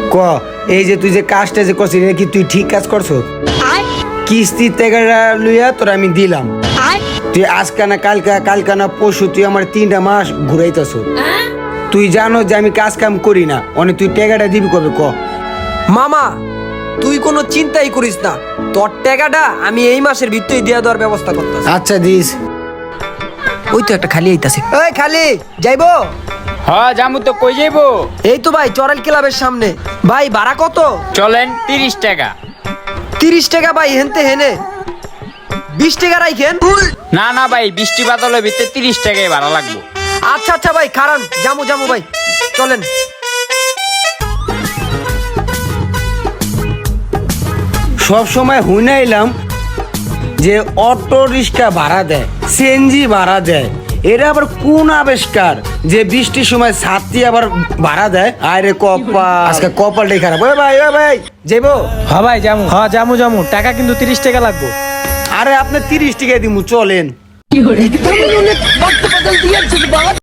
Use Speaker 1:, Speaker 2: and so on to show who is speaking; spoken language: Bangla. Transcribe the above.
Speaker 1: ক এই যে তুই যে কাজটা যে করছিস এটা কি তুই ঠিক কাজ করছো? কিস্তির টাকাটা লইয়া তোর আমি দিলাম, তুই আজকা না কালকা না পরশু তুই আমার 3টা মাস ঘুরাইতেছ। তুই জানো যে আমি কাজ কাম করি না, অনেক তুই টাকাটা দিবি কবে ক?
Speaker 2: মামা তুই কোনো চিন্তাই করিস না, তোর টাকাটা আমি এই মাসের ভিতরেই দিয়ে দেওয়ার ব্যবস্থা করতেছি।
Speaker 1: আচ্ছা দিস।
Speaker 2: ওই তো একটা খালি আইতাছে। এই খালি যাইবো?
Speaker 3: হ্যাঁ জামু তো, কই যাইবো?
Speaker 2: এই তো ভাই চরাল ক্লাবের সামনে। ভাই ভাড়া কত?
Speaker 3: চলেন 30 টাকা।
Speaker 2: 30 টাকা ভাই, হেনতে হেনে 20 টাকা রাখেন।
Speaker 3: না না ভাই, বৃষ্টি বাদলের ভিতরে 30 টাকাই ভাড়া লাগবে।
Speaker 2: আচ্ছা আচ্ছা ভাই খারান, জামু ভাই চলেন।
Speaker 1: সব সময় হুনাইলাম যে অটো রিক্সা ভাড়া দেয়, সিএনজি ভাড়া দেয়, এরা আবার কোন আবিষ্কার যে বৃষ্টির সময় ছাত্রী আবার ভাড়া দেয়? আরে কপাল, আজকে কপালটাই খারাপ। ওই ভাই যাইবো?
Speaker 4: হ্যাঁ ভাই জামু টাকা কিন্তু 30 টাকা লাগবে।
Speaker 1: আরে আপনি 30 টাকা দিমু, চলেন।